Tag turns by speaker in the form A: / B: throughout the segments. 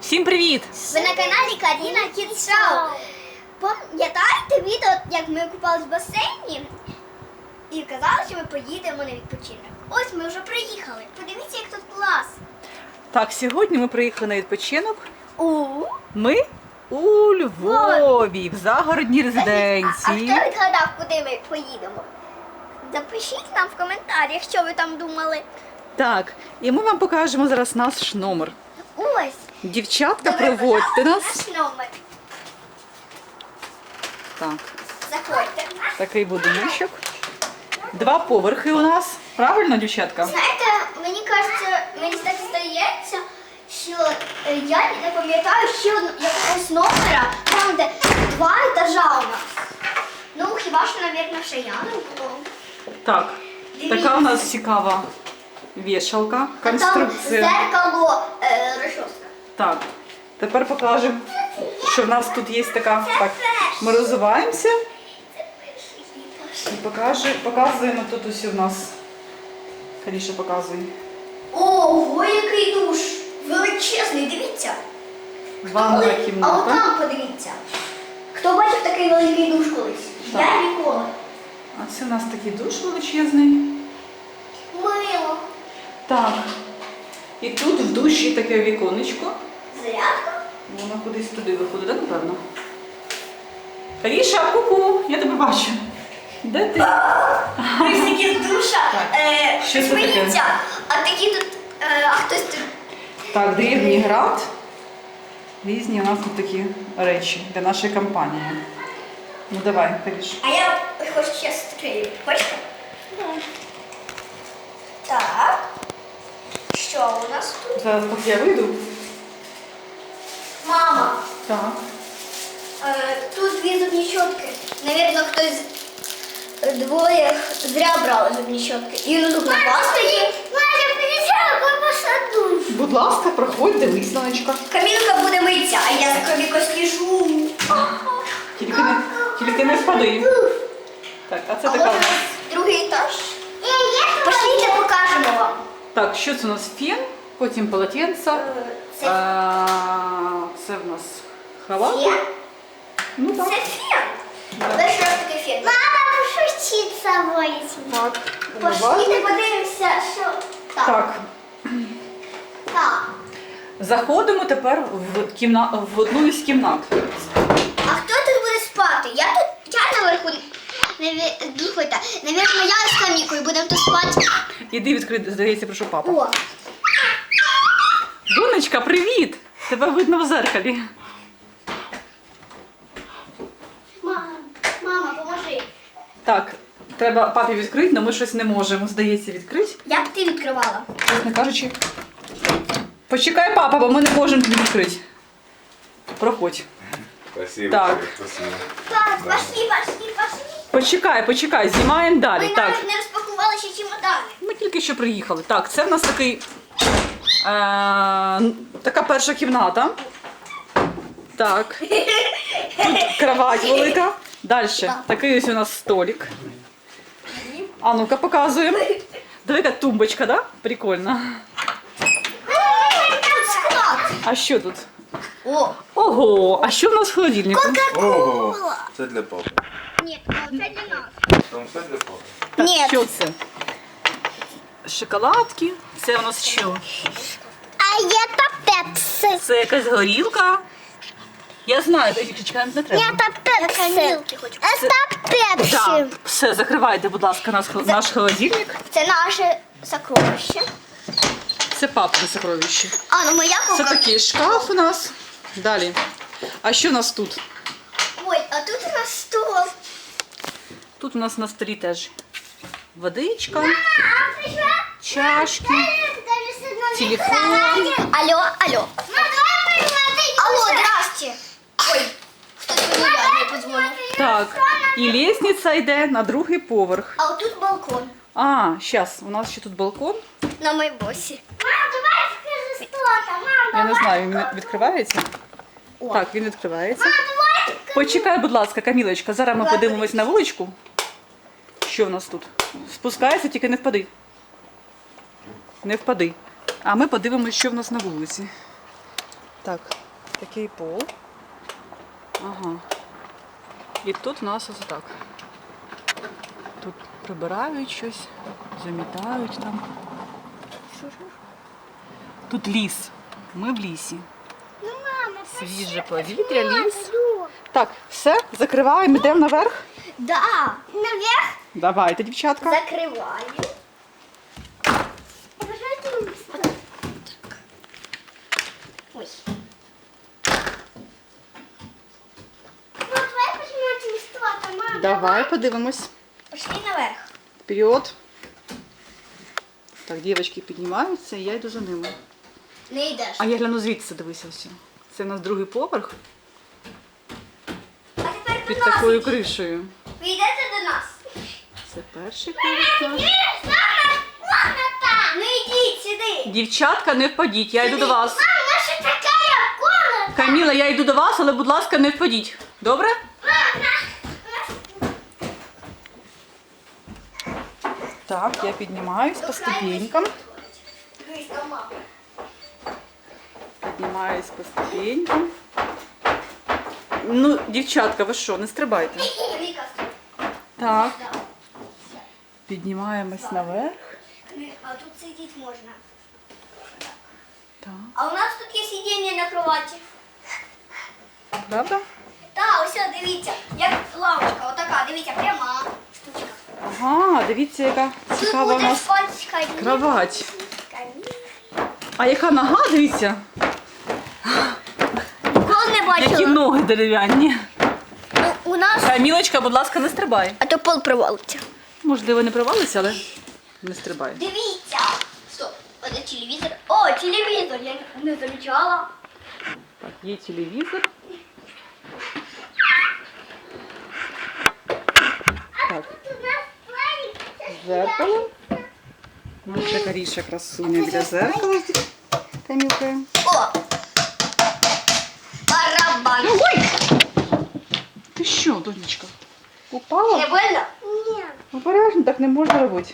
A: Всім привіт!
B: Ви на каналі Каріна Кідс Шоу. Пам'ятаєте відео, як ми купались в басейні і казали, що ми поїдемо на відпочинок? Ось ми вже приїхали. Подивіться, як тут клас.
A: Так, сьогодні ми приїхали на відпочинок. Ми у
B: Львові.
A: Львові, в загородній
B: А
A: резиденції.
B: хто відгадав, куди ми поїдемо? Запишіть нам в коментарях, що ви там думали.
A: Так, і ми вам покажемо зараз наш номер.
B: Ось.
A: Дівчатка,
B: Добре,
A: проводьте нас.
B: наш номер.
A: Так,
B: Заходьте.
A: такий будиночок. 2 поверхи у нас. Правильно, дівчатка?
B: Знаєте, мені кажеться, мені так здається, що я не пам'ятаю ще якогось номера, там де 2 етажа у нас. Ну, хіба що, мабуть, ще я не було.
A: Так,
B: Дивіться.
A: така у нас цікава вішалка,
B: А там
A: конструкція.
B: зеркало, розчоска.
A: Так, тепер покажемо, що в нас тут є така. Так, ми розвиваємося і показуємо тут усі у нас. Каріша показує.
B: Ого, який душ! Величезний, дивіться.
A: Ванна
B: А
A: кімната.
B: отам подивіться. Хто бачив такий великий душ колись?
A: Так.
B: Я ніколи.
A: А це у нас такий душ величезний.
B: Мило.
A: Так. І тут в душі таке віконечко.
B: Зарядка.
A: Воно кудись туди виходить, так, напевно? Каріша, ку-ку, я тебе бачу. Де ти?
B: Присіки з душа.
A: Що це таке?
B: Сміється. А такі тут, а хтось тут.
A: Так, древній град. Різні у нас тут такі речі для нашої компанії. Ну давай, Каріш.
B: А я хочу ще стрілю. Хочете? Так. Що у нас тут?
A: Зараз поки я вийду.
B: Мама.
A: Так.
B: Тут 2 зубні щотки. Навірно, хтось двоє зря брали зубні щотки. І на зубна паста є. Маля, приїжджала, посаду.
A: Будь ласка, проходь, дивись, Сонечка.
B: Камілка буде митися, а я за кровіко сліжу.
A: Тільки не впади. Так, а це
B: А
A: така.
B: ось у нас другий етаж. Пошліть, покажемо вам.
A: Так, що це у нас фен, потім полотенце.
B: Це
A: Це в нас халат.
B: фен.
A: Ну
B: Це
A: так.
B: фен.
A: Да.
B: Перший раз такий фен. Мама, пошути з собою.
A: Так.
B: Пошліть, подивимося, що так.
A: Так.
B: Так.
A: Заходимо тепер в одну із кімнат.
B: А хто тут буде спати? Я наверху. Слухайте, навірно, я з Камікою будемо тут спати.
A: Іди відкрити, здається, прошу папа.
B: О,
A: Донечка, привіт! Тебе видно в зеркалі.
B: мама, поможи.
A: Так, треба папі відкрити, але ми щось не можемо, здається, відкрити.
B: Як ти відкривала?
A: Чесно кажучи. Почекай, папа, бо ми не можемо тобі відкрити. Проходь.
C: Спасибо.
A: Так.
C: Спасибо.
B: Так, пошли.
A: Почекай, знімаємо далі.
B: Ми
A: Так,
B: навіть не розпакували ще чемодани.
A: ми тільки що приїхали. Так, це в нас такий, така перша кімната. Так. Тут кровать велика. Далі. Такий ось у нас столик. А ну-ка показуємо. Диви, яка тумбочка, да? Прикольно.
B: Тут склад.
A: А що тут?
B: О,
A: Ого, а що в нас в холодильнику?
C: Ого, це для папи.
B: ні, це для нас.
C: Там все для папи.
A: Так,
B: Ні.
A: що це? Шоколадки. Це у нас що?
B: А є та пепси.
A: Це якась горілка. Я знаю, чекай, не треба.
B: та пепси. Це пепси.
A: Так, все, закривайте, будь ласка, наш холодильник.
B: Це наше сокровище.
A: Це папине сокровище.
B: А, ну моя
A: Це
B: кока.
A: такий шкаф у нас. Далі. А що у нас тут?
B: Ой, а тут у нас стол.
A: Тут у нас на столі теж водичка, чашки, телефон.
B: Алло. Алло, здрасте. Ой, хтось мені подзвонив.
A: Так, і лестниця йде на другий поверх.
B: А отут балкон.
A: А, зараз, у нас ще тут балкон.
B: На майбосі. Мам, давай скажи, що там. Мам,
A: Я не знаю, він відкривається?
B: О.
A: Так, він відкривається.
B: давай.
A: Почекай, будь ласка, Камілочка, зараз ми
B: Давай,
A: подивимось на вуличку. Що в нас тут? Спускайся, тільки не впади. Не впади. А ми подивимось, що в нас на вулиці. Так, такий пол. Ага. І тут у нас ось так. Тут прибирають щось, замітають там. Тут ліс. Ми в лісі.
B: Ну, мама,
A: Свіже повітря, ліс. Так, все, закриваємо, йдемо наверх.
B: Да. Наверх
A: Давайте, дівчатка.
B: закриваю. Ой. Ну, давай почнемо листувати, мама.
A: Давай подивимось.
B: Пошли наверх.
A: Вперед. Так, дівчатки піднімаються, і я йду за ними.
B: Не йдеш.
A: А я гляну звідси, дивися ось. Це в нас другий поверх
B: А тепер
A: під
B: до нас.
A: такою кришею.
B: Ви йдете до нас.
A: Це перший поверх. так.
B: Ну йдіть сюди.
A: Дівчатка, не впадіть, я йду до вас.
B: Мам, наша така комната.
A: Каміла, я йду до вас, але, будь ласка, не впадіть. Добре? Так, я піднімаюсь по ступенькам. Піднімаюсь по ступенькам. Ну, дівчатка, ви що, не стрибайте. Так, піднімаємось наверх.
B: А тут сидіти можна.
A: Так,
B: А у нас тут є сидіння на кроваті.
A: правда?
B: Так, ось дивіться, як лавочка, отака, дивіться, пряма штучка.
A: Ага, дивіться, яка
B: Тут
A: цікава у
B: буде
A: нас
B: спати камін.
A: кровать.
B: Камін.
A: А яка нога, дивіться?
B: Ніколи не
A: Які
B: бачила.
A: ноги дерев'яні.
B: Ну, у нас...
A: Камілочка, будь ласка, не стрибай.
B: А то пол провалиться.
A: Можливо, не провалися, але не стрибай.
B: Дивіться. Стоп, це телевізор. О, телевізор, я не замічала.
A: Так, є телевізор. Так, зеркало. Наша Каріша красуня біля зеркала з Камілкою.
B: О! Барабан.
A: Ой! Ти що, донечка? Упала?
B: Не больно? Ні.
A: Обережно, так не можна робити.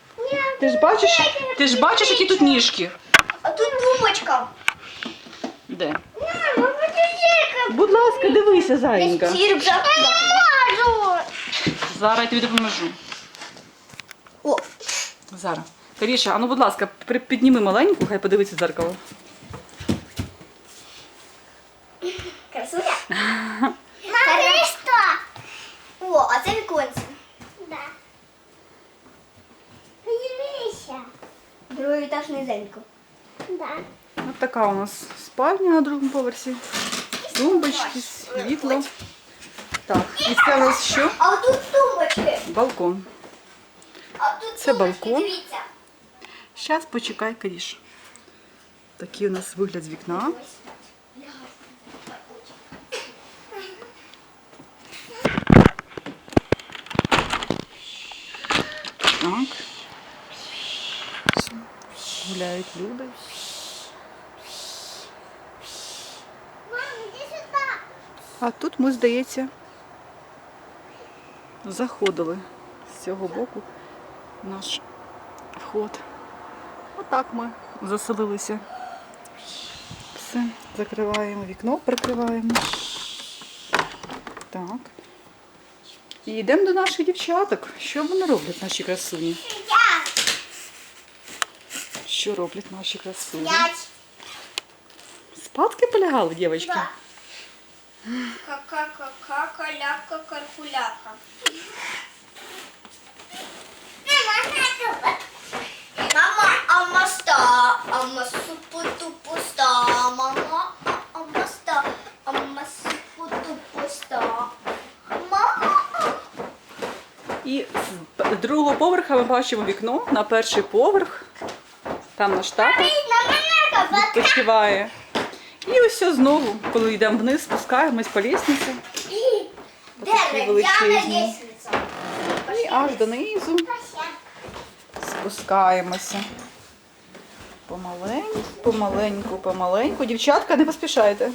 A: Ти ж бачиш, які тут ніжки?
B: А тут думочка.
A: Де?
B: Мама, подожди-ка.
A: Будь ласка, дивися, зайенька.
B: Цирк же. Я не можу.
A: Зараз я тобі допоможу.
B: О,
A: Зараз. Каріша, а ну, будь ласка, підніми маленьку, хай подивиться в дзеркало.
B: красуня. Нарешті. О, а це віконце. Да. Подивися. Другий етаж низенько. Да.
A: Ось така у нас спальня на другому поверсі. Тумбочки, світло. Так, і це у нас що?
B: А тут тумбочки.
A: Балкон.
B: А тут
A: Це
B: тумбочки,
A: балкон.
B: дивіться.
A: Зараз почекай, Каріш. Такий у нас вигляд з вікна. Так. Гуляють люди.
B: Мам, іди сюди.
A: А тут ми, здається, заходили з цього боку наш вход. Отак ми заселилися. Все, закриваємо вікно, прикриваємо. Так. І йдемо до наших дівчаток. Що вони роблять, наші красуні? Що роблять наші красуні?
B: П'ять.
A: Спадки полягали, дівчатки?
B: Да. Ка-ка-ка-ка, каляка, каркуляка. Мама, а моста, а масупу-тупуста. Мама, а моста, а масупу-тупуста. Мама.
A: І з другого поверха ми бачимо вікно на перший поверх. Там наш тато відпочиває. І ось знову, коли йдемо вниз, спускаємось по лісниці. Такі величезні.
B: лестниця.
A: І аж донизу спускаємося. Помаленьку, помаленьку, помаленьку. Дівчатка, не поспішайте.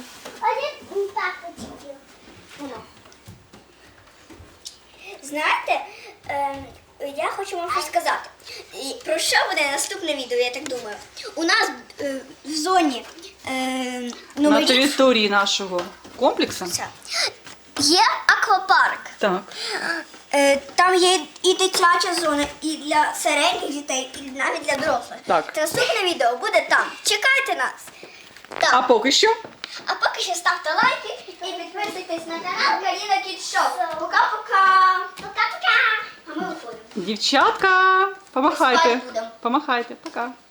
B: Знаєте, я хочу вам щось сказати. І про що буде наступне відео, я так думаю. У нас в зоні
A: На
B: номер
A: території нашого комплексу.
B: є аквапарк.
A: Так.
B: Там є і дитяча зона, і для середніх дітей, і навіть для дорослих.
A: Так.
B: Та наступне відео буде там. Чекайте нас. Так.
A: А поки що
B: А поки що ставте лайки і підписуйтесь на канал Каріна Кіт Шоу. Пока-пока. Пока-пока. А ми виходимо.
A: дівчатка, помахайте.
B: Спать будемо.
A: Помахайте, пока.